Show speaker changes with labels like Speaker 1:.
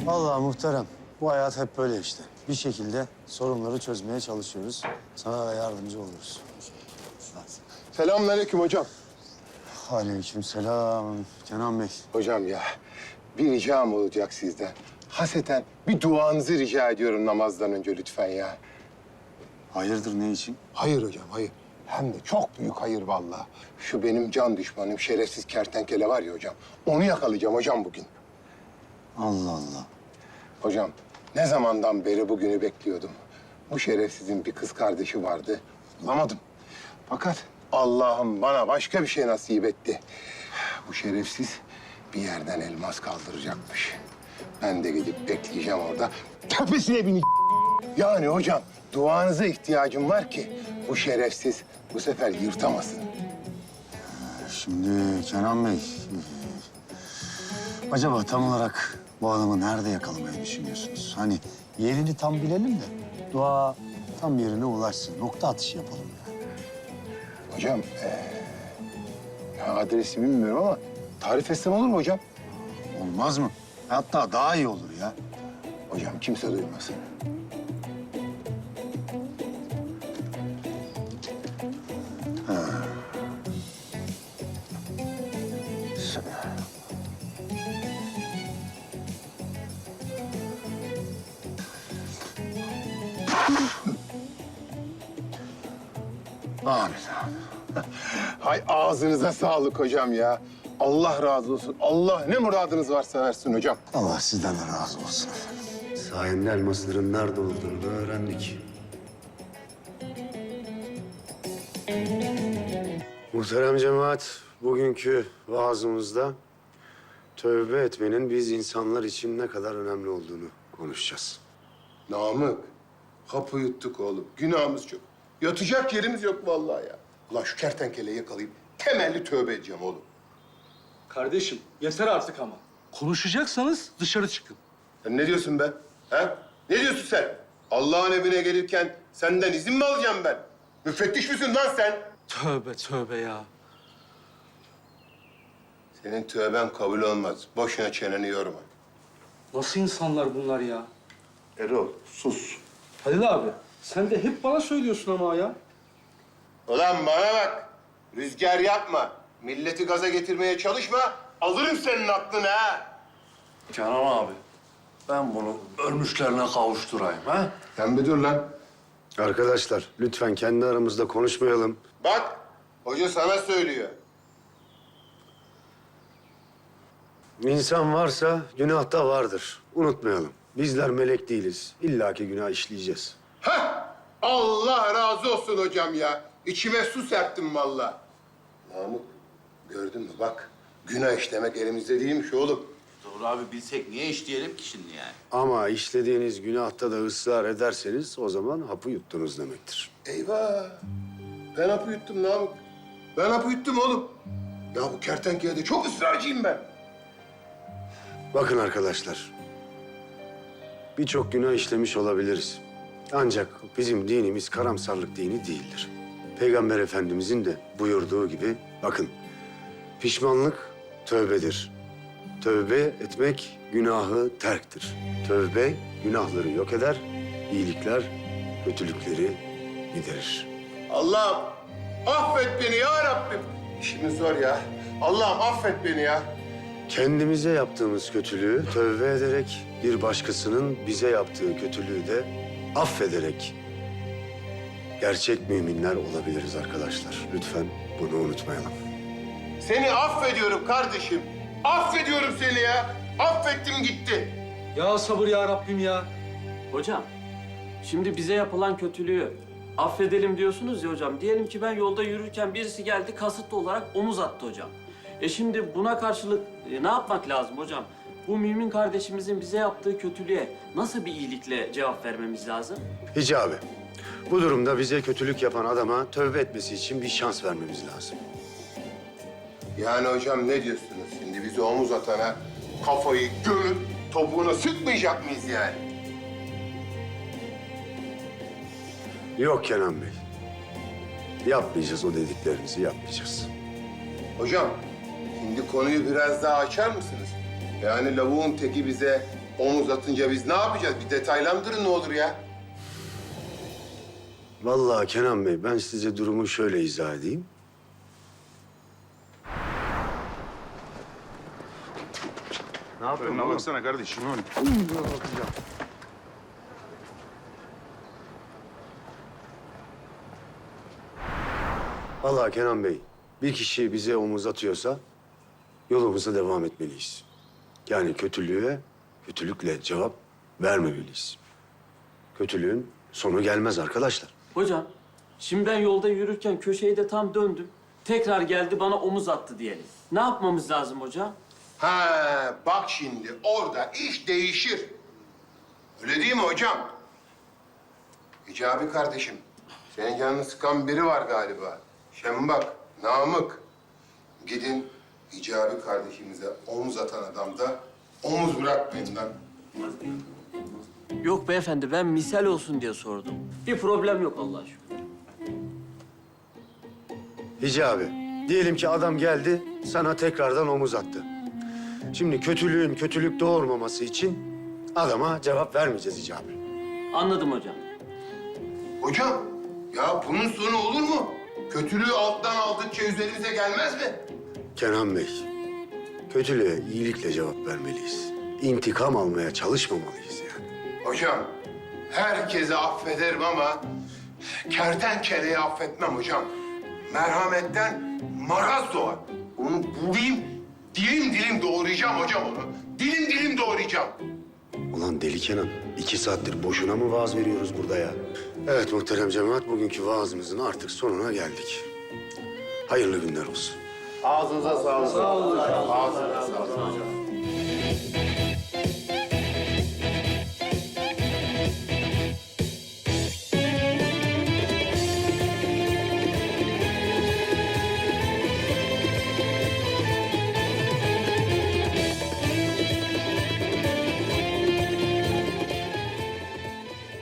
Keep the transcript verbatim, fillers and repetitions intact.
Speaker 1: Vallahi muhterem, bu hayat hep böyle işte. Bir şekilde sorunları çözmeye çalışıyoruz. Sana da yardımcı oluruz.
Speaker 2: Selamünaleyküm hocam.
Speaker 1: Aleykümselam Kenan Bey.
Speaker 2: Hocam ya, bir ricam olacak sizden. Haseten bir duanızı rica ediyorum namazdan önce lütfen ya.
Speaker 1: Hayırdır, ne için?
Speaker 2: Hayır hocam, hayır. Hem de çok büyük hayır vallahi. Şu benim can düşmanım, şerefsiz kertenkele var ya hocam. Onu yakalayacağım hocam bugün.
Speaker 1: Allah Allah.
Speaker 2: Hocam, ne zamandan beri bugünü bekliyordum. Bu şerefsizin bir kız kardeşi vardı. Bulamadım. Fakat Allah'ım bana başka bir şey nasip etti. Bu şerefsiz bir yerden elmas kaldıracakmış. Ben de gidip bekleyeceğim orada. Tepesine bin... Yani hocam, duanıza ihtiyacım var ki bu şerefsiz bu sefer yırtamasın.
Speaker 1: Şimdi Kenan Bey, acaba tam olarak bu adamı nerede yakalamayı düşünüyorsunuz? Hani yerini tam bilelim de dua tam yerine ulaşsın. Nokta atışı yapalım yani.
Speaker 2: Hocam, ee, ya adresi bilmiyorum ama tarif etsem olur mu hocam?
Speaker 1: Olmaz mı? Hatta daha iyi olur ya.
Speaker 2: Hocam kimse duymasın.
Speaker 1: Amin.
Speaker 2: Hay ağzınıza sağlık hocam ya. Allah razı olsun. Allah ne muradınız varsa versin hocam.
Speaker 1: Allah sizden de razı olsun. Sayende elmasların nerede olduğunu da öğrendik. Muhterem cemaat, bugünkü vaazımızda tövbe etmenin biz insanlar için ne kadar önemli olduğunu konuşacağız.
Speaker 2: Namık, kapı yuttuk oğlum. Günahımız çok. Yatacak yerimiz yok vallahi ya. Ulan şu kertenkeleyi yakalayıp temelli tövbe edeceğim oğlum.
Speaker 3: Kardeşim yeter artık ama. Konuşacaksanız dışarı çıkın.
Speaker 2: Sen ne diyorsun be? He? Ne diyorsun sen? Allah'ın evine gelirken senden izin mi alacağım ben? Müfettiş misin lan sen?
Speaker 3: Tövbe tövbe ya.
Speaker 2: Senin tövben kabul olmaz. Boşuna çeneni yorma.
Speaker 3: Nasıl insanlar bunlar ya?
Speaker 2: Erol, sus.
Speaker 3: Halil abi sen de hep bana söylüyorsun ama ya.
Speaker 2: Ulan bana bak. Rüzgar yapma. Milleti gaza getirmeye çalışma. Alırım senin aklını ha.
Speaker 4: Kenan abi, ben bunu ölmüşlerine kavuşturayım ha?
Speaker 2: Sen bir dur lan.
Speaker 1: Arkadaşlar, lütfen kendi aramızda konuşmayalım.
Speaker 2: Bak, hoca sana söylüyor.
Speaker 1: İnsan varsa günah da vardır. Unutmayalım. Bizler melek değiliz. İlla ki günah işleyeceğiz.
Speaker 2: Hah! Allah razı olsun hocam ya. İçime su serptim vallahi. Namık, gördün mü bak. Günah işlemek elimizde değilmiş oğlum.
Speaker 5: Doğru abi bilsek niye işleyelim ki şimdi yani?
Speaker 1: Ama işlediğiniz günahta da ısrar ederseniz o zaman hapı yuttunuz demektir.
Speaker 2: Eyvah! Ben hapı yuttum Namık. Ben hapı yuttum oğlum. Ya bu kertenkelede çok ısrarcıyım ben.
Speaker 1: Bakın arkadaşlar. Birçok günah işlemiş olabiliriz. Ancak bizim dinimiz karamsarlık dini değildir. Peygamber Efendimizin de buyurduğu gibi bakın pişmanlık tövbedir. Tövbe etmek günahı terktir. Tövbe günahları yok eder, iyilikler kötülükleri giderir.
Speaker 2: Allah'ım affet beni ya Rabbim. İşimiz zor ya. Allah'ım affet beni ya.
Speaker 1: Kendimize yaptığımız kötülüğü tövbe ederek, bir başkasının bize yaptığı kötülüğü de affederek gerçek müminler olabiliriz arkadaşlar. Lütfen bunu unutmayalım.
Speaker 2: Seni affediyorum kardeşim. Affediyorum seni ya. Affettim gitti.
Speaker 3: Ya sabır ya Rabbim ya.
Speaker 6: Hocam, şimdi bize yapılan kötülüğü affedelim diyorsunuz ya hocam. Diyelim ki ben yolda yürürken birisi geldi kasıtlı olarak omuz attı hocam. E şimdi buna karşılık e, ne yapmak lazım hocam? Bu mümin kardeşimizin bize yaptığı kötülüğe nasıl bir iyilikle cevap vermemiz lazım?
Speaker 1: Hicabi, bu durumda bize kötülük yapan adama tövbe etmesi için bir şans vermemiz lazım.
Speaker 2: Yani hocam ne diyorsunuz şimdi? Bizi omuz atana kafayı gömüp topuğuna sıkmayacak mıyız yani?
Speaker 1: Yok Kenan Bey. Yapmayacağız, o dediklerinizi yapmayacağız.
Speaker 2: Hocam, şimdi konuyu biraz daha açar mısınız? Yani lavuğun teki bize omuz atınca biz ne yapacağız? Bir detaylandırın ne olur ya.
Speaker 1: Vallahi Kenan Bey, ben size durumu şöyle izah edeyim. Ne yapıyorsun?
Speaker 7: Önüne baksana kardeşim.
Speaker 1: Vallahi Kenan Bey, bir kişi bize omuz atıyorsa yolumuza devam etmeliyiz. Yani kötülüğe kötülükle cevap vermemeliyiz. Kötülüğün sonu gelmez arkadaşlar.
Speaker 6: Hocam, şimdi ben yolda yürürken köşeyi de tam döndüm. Tekrar geldi bana omuz attı diyelim. Ne yapmamız lazım hocam?
Speaker 2: Ha, bak şimdi orada iş değişir. Öyle değil mi hocam? Hicabi kardeşim, senin canını sıkan biri var galiba. Şembak, Namık. Gidin Hicabi kardeşimize omuz atan adamda omuz bırakmayın lan.
Speaker 6: Yok beyefendi, ben misal olsun diye sordum. Bir problem yok Allah'a şükür.
Speaker 1: Hicabi, diyelim ki adam geldi, sana tekrardan omuz attı. Şimdi kötülüğün kötülük doğurmaması için adama cevap vermeyeceğiz Hicabi.
Speaker 6: Anladım hocam.
Speaker 2: Hocam, ya bunun sonu olur mu? Kötülüğü alttan aldıkça üzerimize gelmez mi?
Speaker 1: Kenan Bey, kötülüğe iyilikle cevap vermeliyiz. İntikam almaya çalışmamalıyız yani.
Speaker 2: Hocam, herkese affederim ama kertenkeleyi affetmem hocam. Merhametten maraz doğar. Onu bulayım, dilim dilim doğrayacağım hocam onu. Dilim dilim doğrayacağım.
Speaker 1: Ulan deli Kenan, iki saattir boşuna mı vaaz veriyoruz burada ya? Evet muhterem cemaat, bugünkü vaazımızın artık sonuna geldik. Hayırlı günler olsun.
Speaker 2: Ağzınıza sağlık. Sağ olun hocam. Ağzınıza sağlık.